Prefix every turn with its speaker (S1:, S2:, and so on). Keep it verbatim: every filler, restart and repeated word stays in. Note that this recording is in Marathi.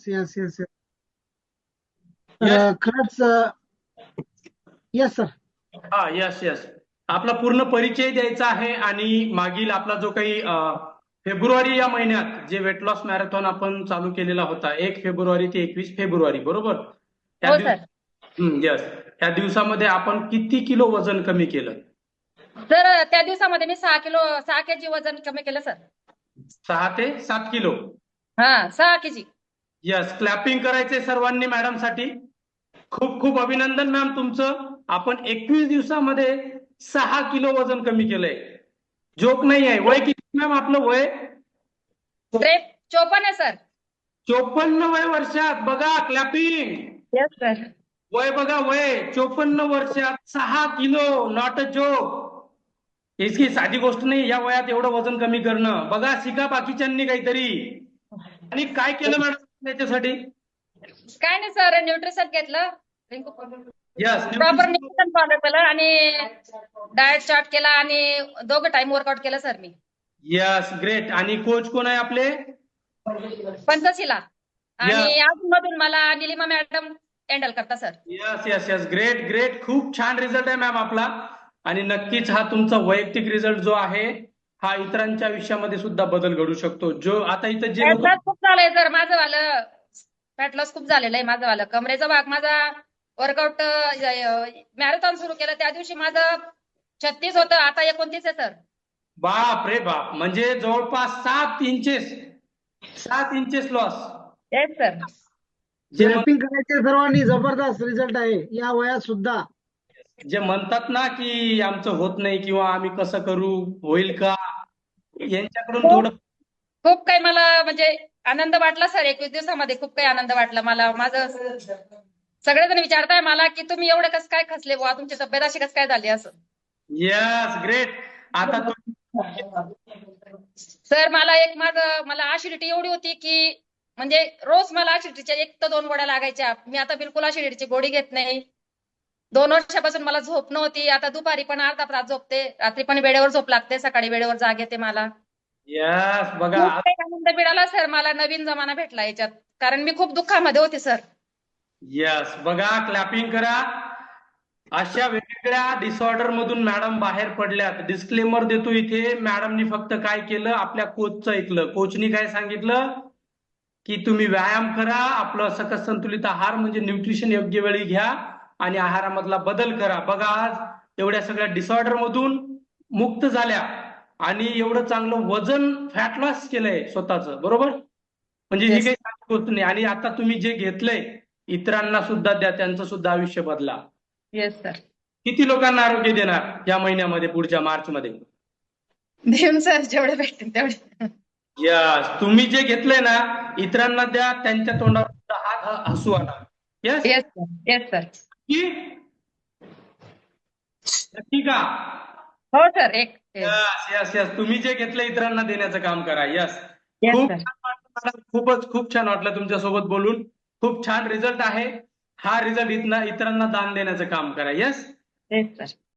S1: येस येस येस तर
S2: यस.
S1: अ, खरंच येस सर.
S2: हा, यस यस. आपला पूर्ण परिचय द्यायचा आहे आणि मागील आपला जो काही अ, फेब्रुवारी या महिन्यात जे वेट लॉस मॅरेथॉन आपण चालू केलेला होता, एक फेब्रुवारी ते एकवीस फेब्रुवारी, बरोबर? त्या
S1: हो
S2: दिवस
S1: सर.
S2: यस, त्या दिवसामध्ये आपण किती किलो वजन कमी केलं?
S1: सर त्या दिवसामध्ये मी सहा किलो सहा केजी वजन कमी केलं सर.
S2: सहा ते सात किलो.
S1: हा, सहा केजी.
S2: यस, क्लॅपिंग करायचे सर्वांनी मॅडम साठी. खूप खूप अभिनंदन मॅम तुमचं. आपण एकवीस दिवसामध्ये सहा किलो वजन कमी केलंय. जोक नाही आहे. वय किती मॅम आपलं वय?
S1: ग्रेट. चोपन्न आहे सर.
S2: चोपन्न वय वर्षात. बघा, क्लॅपिंग.
S1: Yes sir.
S2: वय बघा, वय चोपन्न वर्षात सहा किलो. Not a joke. इसकी साधी गोष्ट नाही या वयात एवढं वजन कमी करणं. बघा, शिका बाकीच्यांनी काहीतरी. आणि काय केलं मॅडम त्याच्यासाठी?
S1: काय नाही सर, न्यूट्रिशन घेतलं,
S2: yes,
S1: proper
S2: nutrition.
S1: Nutrition follow केलं आणि डाएट चार्ट केला आणि दोघं टाइम वर्कआउट केलं सर मी.
S2: Yes, great. आणि कोच कोण आहे आपले?
S1: पंचशीला. आणि
S2: यस
S1: अजून मधून मला निलिमा मॅडम हँडल करता sir.
S2: Yes yes yes, great great. खूप छान रिझल्ट आहे मॅम आपला. आणि नक्कीच हा तुमचा वैयक्तिक रिझल्ट जो आहे हा इतरांच्या आयुष्यामध्ये सुद्धा बदल घडू शकतो. जो आता इथं जे
S1: फॅट
S2: लोक.
S1: लॉस खूप झालंय सर माझं वालं. फॅट लॉस खूप झालेलं आहे माझं वालं. कमरेचा भाग माझा वर्कआउट मॅरेथॉन सुरू केलं त्या दिवशी माझं छत्तीस होतं, आता एकोणतीस आहे सर.
S2: बाप रे बाप, म्हणजे जवळपास सात इंचेस सात इंचेस लॉस.
S1: Yes sir.
S2: जे म्हण-
S3: स्क्रॅपिंग करायचे सर्वांनी, जबरदस्त रिझल्ट आहे या वयात सुद्धा.
S2: जे म्हणतात ना की आमचं होत नाही किंवा आम्ही कसं करू, होईल का, यांच्याकडून
S1: खूप
S2: थोडं.
S1: खूप काही मला म्हणजे आनंद वाटला सर. एकवीस दिवसामध्ये खूप काही आनंद वाटला मला. माझं सगळेजण विचारताय मला की तुम्ही एवढे कसं काय खचले बुवा, तुमची तब्येत अशी कसं काय झाली असं.
S2: Yes, great. आता तुम्ही.
S1: सर मला एक माझं मला ऍसिडिटी एवढी होती की म्हणजे रोज मला ऍसिडिटीच्या एक तर दोन गोळ्या लागायच्या. मी आता बिलकुल ऍसिडिटीची गोळी घेत नाही. दोन वर्षापासून मला झोप नव्हती. आता दुपारी पण अर्धा तास झोपते, रात्री पण वेळेवर झोप लागते, सकाळी वेळेवर जाग येते मला.
S2: यस, बघा.
S1: खूप काही आनंद मिळाला सर मला. नवीन जमाना भेटला याच्यात, कारण मी खूप दुःखामध्ये होते सर.
S2: यस, बघा, क्लॅपिंग करा. अशा वेगवेगळ्या डिसऑर्डर मधून मॅडम बाहेर पडल्यात. डिस्क्लेमर देतो इथे, मॅडमनी फक्त काय केलं, आपल्या कोचचं ऐकलं. कोचनी काय सांगितलं की तुम्ही व्यायाम करा, आपलं सकस संतुलित आहार म्हणजे न्यूट्रिशन योग्य वेळी घ्या आणि आहारामधला बदल करा. बघा, आज एवढ्या सगळ्या डिसऑर्डर मधून मुक्त झाल्या आणि एवढं चांगलं वजन, फॅट लॉस केलंय स्वतःचं, बरोबर? म्हणजे ही
S1: येस.
S2: काही साधी गोष्ट नाही. आणि आता तुम्ही जे घेतलंय इतरांना सुद्धा द्या, त्यांचं सुद्धा आयुष्य बदला.
S1: Yes sir.
S2: किती लोकांना आरोग्य देणार या महिन्यामध्ये, पुढच्या मार्च मध्ये?
S1: देऊन सर जेवढे भेटतील तेवढे.
S2: यस, तुम्ही जे घेतलंय ना इतरांना द्या, त्यांच्या तोंडावर सुद्धा हात ह- हसू आला. Yes.
S1: Yes sir. Yes sir.
S2: की नक्की का?
S1: हो सर. एक
S2: यस यस यस, तुम्ही जे घेतलं इतरांना देण्याचं काम करा. यस.
S1: येस
S2: खूप
S1: सर.
S2: छान वाटलं मॅडम, खूपच खूप छान वाटलं तुमच्यासोबत बोलून. खूप छान रिझल्ट आहे. हा रिझल्ट इथना इतरांना दान देण्याचं काम करा. यस.
S1: Yes sir.